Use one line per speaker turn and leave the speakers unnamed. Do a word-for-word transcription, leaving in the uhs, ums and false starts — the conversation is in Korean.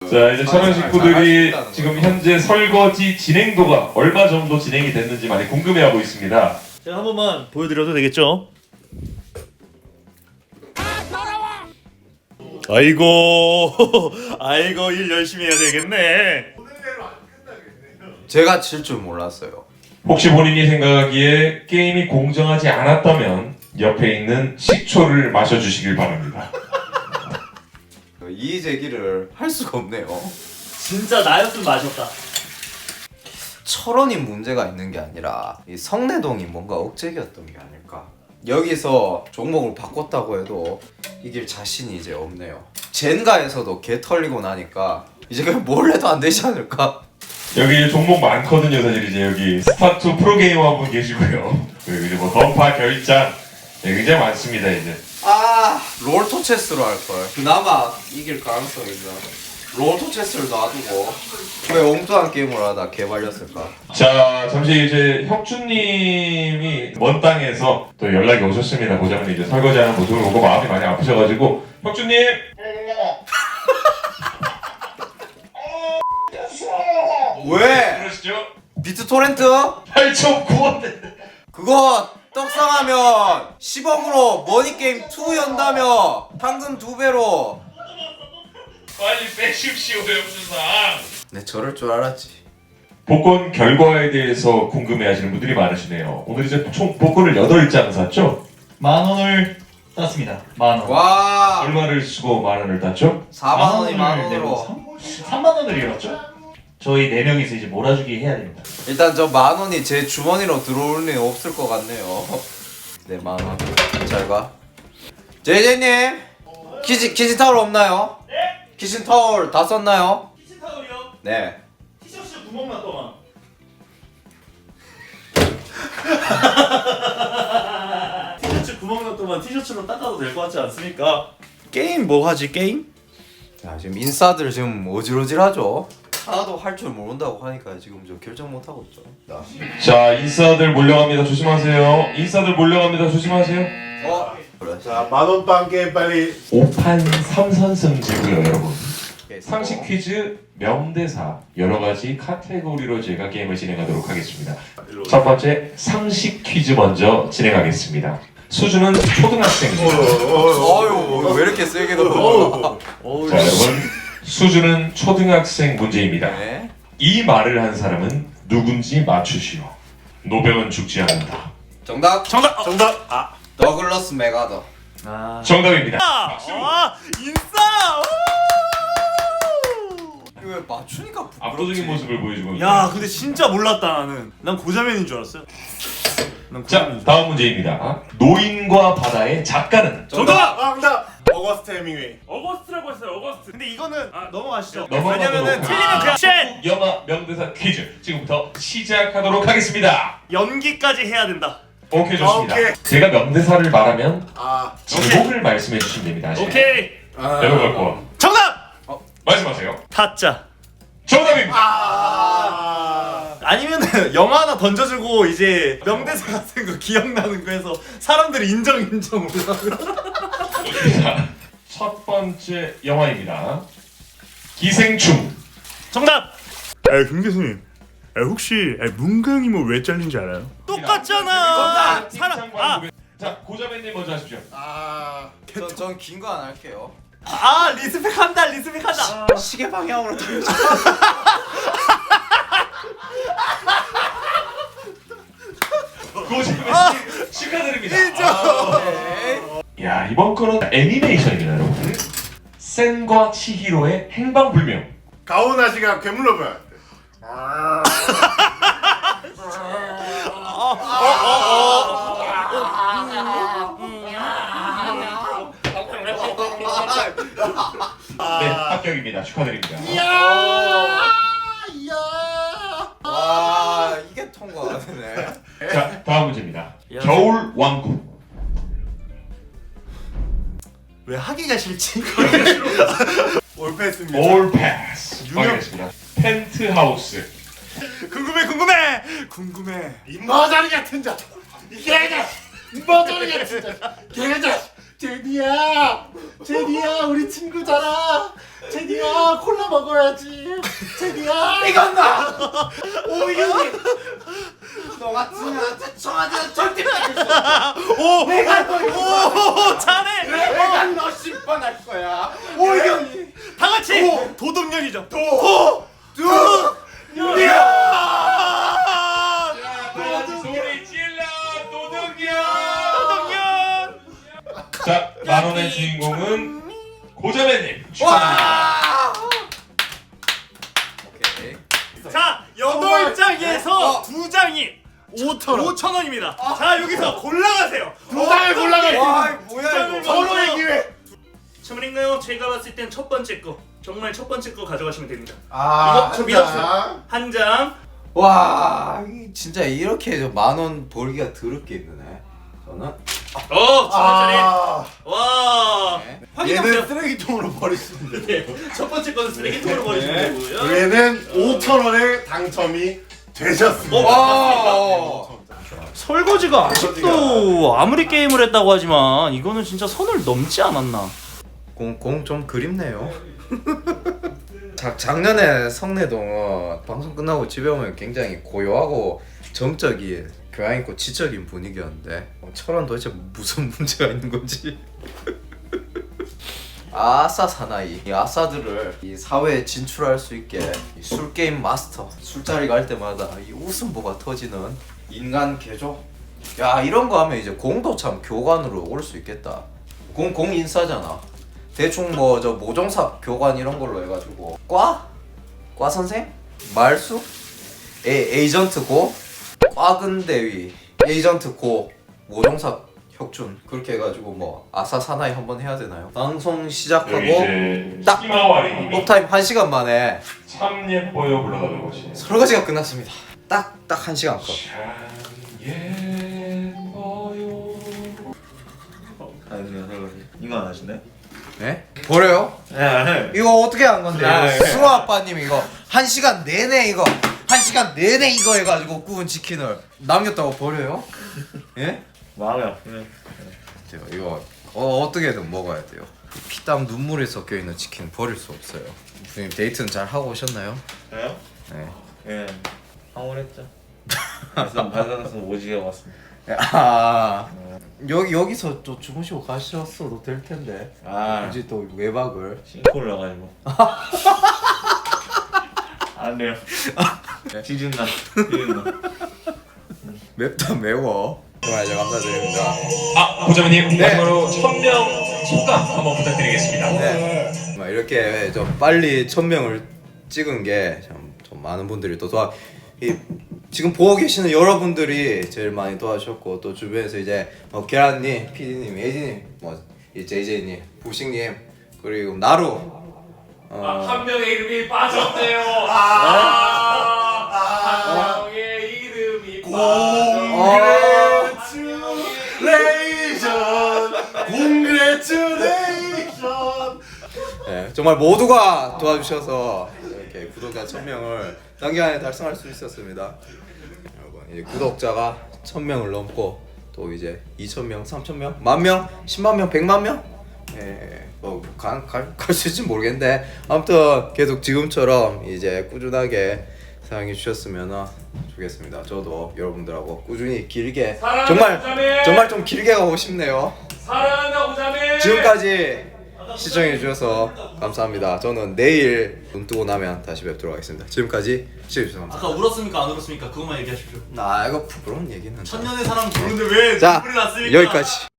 자, 이제 천원 식구들이 지금 현재 설거지 진행도가 얼마 정도 진행이 됐는지 많이 궁금해하고 있습니다.
제가 한 번만 보여드려도 되겠죠? 아이고 아이고 일 열심히 해야 되겠네.
제가 칠 줄 몰랐어요.
혹시 본인이 생각하기에 게임이 공정하지 않았다면 옆에 있는 식초를 마셔주시길 바랍니다.
이 제기를 할 수가 없네요.
진짜 나였으면 마셨다.
철원이 문제가 있는 게 아니라 이 성내동이 뭔가 억제기였던 게 아닐까. 여기서 종목을 바꿨다고 해도 이길 자신이 이제 없네요. 젠가에서도 개 털리고 나니까 이제 그냥 뭘 해도 안 되지 않을까?
여기 종목 많거든요. 사실 이제 여기 스타투 프로게이머 한 분 계시고요. 그리고 이제 뭐 던파 결장 네, 굉장히 많습니다. 이제
아 롤토 체스로 할걸. 그나마 이길 가능성이 있나. 롤토 체스를 놔두고 왜 엉뚱한 게임을 하다 개발렸을까.
자, 잠시 이제 혁준님이 먼 땅에서 또 연락이 오셨습니다. 고장님 이제 설거지하는 모습을 보고 마음이 많이 아프셔가지고 혁준님
왜?
그러시죠?
비트 토렌트?
팔 점 구 원
그거 떡상하면 십억으로 머니게임 이 연다며 황금 두 배로.
빨리 빼십시오 혁준상.
네 저럴 줄 알았지.
복권 결과에 대해서 궁금해하시는 분들이 많으시네요. 오늘 이제 총 복권을 여덟 장 샀죠?
만 원을 땄습니다. 만 원.
와
얼마를 쓰고 만 원을 땄죠?
사만 원이 만
내고
원으로.
삼만 원을 잃었죠? 저희 네 명이서 이제 몰아주기 해야 됩니다.
일단 저 만 원이 제 주머니로 들어올 리 없을 것 같네요. 네 만 원. 잘 가. 제이제이님 키친 키친 타올 없나요?
네?
키친 타올 다 썼나요?
키친 타월이요?
네.
티셔츠 구멍 났더만. 티셔츠 구멍 났더만 티셔츠로 닦아도 될 것 같지 않습니까? 게임 뭐 하지 게임?
자 지금 인싸들 지금 어질어질하죠. 하나도 할 줄 모른다고 하니까 지금 저 결정 못 하고 있죠.
자, 인싸들 몰려갑니다. 조심하세요. 인싸들 몰려갑니다. 조심하세요.
어 그래.
자, 만원빵 게임 빨리.
오 판 삼 선승제고요, 여러분. 상식 퀴즈, 명대사 여러 가지 카테고리로 저희가 게임을 진행하도록 하겠습니다. 첫 번째 상식 퀴즈 먼저 진행하겠습니다. 수준은 초등학생입니다.
어유 왜 이렇게 세게 넣어?
자, 여러분 수준은 초등학생 문제입니다.
네.
이 말을 한 사람은 누군지 맞추시오. 노병은 죽지 않는다.
정답.
정답! 정답! 아,
더글러스 메가더.
아.
정답입니다.
아, 인싸!
이거 왜 맞추니까 부끄럽지?
압도적인 모습을 보여주고
야,
있습니다.
근데 진짜 몰랐다 나는. 난 고자면인 줄 알았어요. 난
자,
고자면인 줄.
다음 문제입니다. 노인과 바다의 작가는
정답!
아, 정답! 어거스트 해밍웨이.
어거스트라고 했어요. 어거스트. 근데 이거는 아, 넘어가시죠.
넘어가도록
왜냐면은 틀리면 그냥 쉣!
한국 영화 명대사 퀴즈 지금부터 시작하도록 하겠습니다.
연기까지 해야 된다.
오케이, 좋습니다.
오케이.
제가 명대사를 말하면
아,
제목을 말씀해 주시면 됩니다. 아시죠?
오케이.
아.
여러분 거
정답!
말씀하세요.
타짜.
정답입니다.
아.
아니면은 영화 하나 던져주고 이제 명대사 같은 거 기억나는 거 해서 사람들이 인정 인정 올라가고.
자, 첫 번째 영화입니다. 기생충.
정답!
아, 김 교수님. 아, 혹시 아, 문강이모 왜 잘린지 알아요?
똑같잖아.
정답.
사람 아,
자, 고자매님 먼저 하십시오.
아.
전긴 거 안 할게요.
아 리스펙 한다 리스펙 한다.
시계 방향으로 돌려줘.
고자매님 축하드립니다.
네.
야, 이번 거는 애니메이션입니다, 여러분. 센과 치히로의 행방불명.
가오나 씨가 괴물로 보여. 아.
네, 합격입니다. 축하드립니다.
와 이게 통과가 되네.
자, 다음 문제입니다. 겨울 왕국.
왜 하기가 싫지?
올패스입니다.
올 패스.
유명-
확인했습니다. 펜트하우스.
궁금해 궁금해 궁금해.
이마자리 같은 자. 이 개자식. 이마자리 같은 자. 개자식. 제니야, 제니야, 우리 친구잖아. 제니야, 콜라 먹어야지. 제니야.
이건나 오이경이 너 같으면 청와대 절대
오!
내가 너
오! 잘해!
내가 너 심판할 거야 오이경이
다 같이 도덕년이죠.
도
도덕년!
소리 질러 도둑이야.
도덕년!
자, 만 원의 주인공은 고자매님 축하드립니다.
와 오케이
자, 여덟 장에서 두 장이 오천 원입니다. 자, 여기서 골라가세요.
두 장을 골라가.
와 뭐야 이거
서로의 기회.
주문인가요? 제가 봤을 땐 첫 번째 거. 정말 첫 번째 거 가져가시면 됩니다.
아,
이거 저
한
믿었어요.
장.
한 장.
와 이- 진짜 이렇게 만원 벌기가 더럽게 힘드네 저는
어, 천 원짜리.
아,
와.
네.
확인해보세요.
얘는 쓰레기통으로 버리시면 돼요.
네, 첫 번째 거는 쓰레기통으로 버리시면
네.
되고요.
얘는 오천 원에 당첨이 되셨습니다.
와
설거지가 아직도 아무리 게임을 했다고 하지만 이거는 진짜 선을 넘지 않았나.
공 좀 그립네요. 작, 작년에 성내동은 방송 끝나고 집에 오면 굉장히 고요하고 정적인 교양 있고 지적인 분위기였는데 어, 철원 도대체 무슨 문제가 있는 건지. 아싸 사나이 이 아싸들을 이 사회에 진출할 수 있게 이 술게임 마스터 술자리 갈 때마다 이 웃음보가 터지는 인간 개조. 야 이런 거 하면 이제 공도 참 교관으로 올 수 있겠다. 공, 공 인싸잖아. 대충 뭐 저 모종사 교관 이런 걸로 해가지고 과? 과 선생? 말수? 에, 에이전트 고? 과근대위 에이전트 고 모종사 혁준 그렇게 해가지고 뭐 아싸 사나이 한번 해야 되나요? 방송
여기
시작하고
이제
딱
희마와리님이
업타임 한 시간 만에
참 예뻐요 불러가는 곳이
설거지가 끝났습니다. 딱 딱 한 시간 컷.
참 예뻐요.
아니요 설거지 이거 안 하시네?
네? 버려요?
네 안해
이거 어떻게 한 건데?
아, 네.
승호 아빠님 이거 한 시간 내내 이거 한 시간 내내 이거 해가지고 구운 치킨을 남겼다고 버려요? 예?
마음이 아프네
제가 이거 어, 어떻게든 먹어야 돼요. 피땀 눈물이 섞여 있는 치킨 버릴 수 없어요. 부님 데이트는 잘 하고 오셨나요?
저요?
네.
예 황홀했죠 그래서 발산에서 오지게 왔습니다
아 여기 여기서 또 주무시고 가셨어도 될 텐데.
아
굳이 또 외박을.
싱크를 나가지고 안 돼요 지진다 지진다
맵다 매워. 정말 잘 감사드립니다.
아 고자매님 마지막으로 천명 소감 한번 부탁드리겠습니다.
네. 막 이렇게 좀 빨리 천 명을 찍은 게 참 좀 많은 분들이 또 도와 이 지금 보고 계시는 여러분들이 제일 많이 도와주셨고 또 주변에서 이제 뭐 계란님, 피디님, 예진님, 뭐이 제이제이님, 부식님 그리고 나루 어,
한 명의 이름이 빠졌네요. 아, 한 명의 이름이 빠졌네요.
Congratulation, congratulation.
네, 정말 모두가 도와주셔서 이렇게 구독자 천 명을 단기간에 달성할 수 있었습니다. 여러분 이제 구독자가 천 명을 넘고 또 이제 이천 명, 삼천 명, 만 명, 십만 명, 백만 명, 예, 뭐갈갈 수 있을지 모르겠는데 아무튼 계속 지금처럼 이제 꾸준하게 사랑해 주셨으면 좋겠습니다. 저도 여러분들하고 꾸준히 길게
사랑한다,
정말
고자매!
정말 좀 길게 가고 싶네요.
사랑한다 고자매.
지금까지 시청해 주셔서 감사합니다. 저는 내일 눈 뜨고 나면 다시 뵙도록 하겠습니다. 지금까지 시청해 주셔서 감사합니다.
아까 울었습니까? 안 울었습니까? 그것만 얘기하십시오.
나 이거 부끄러운 얘기는
천년의 사랑 부르는데 왜
자
눈물이 났습니까?
여기까지.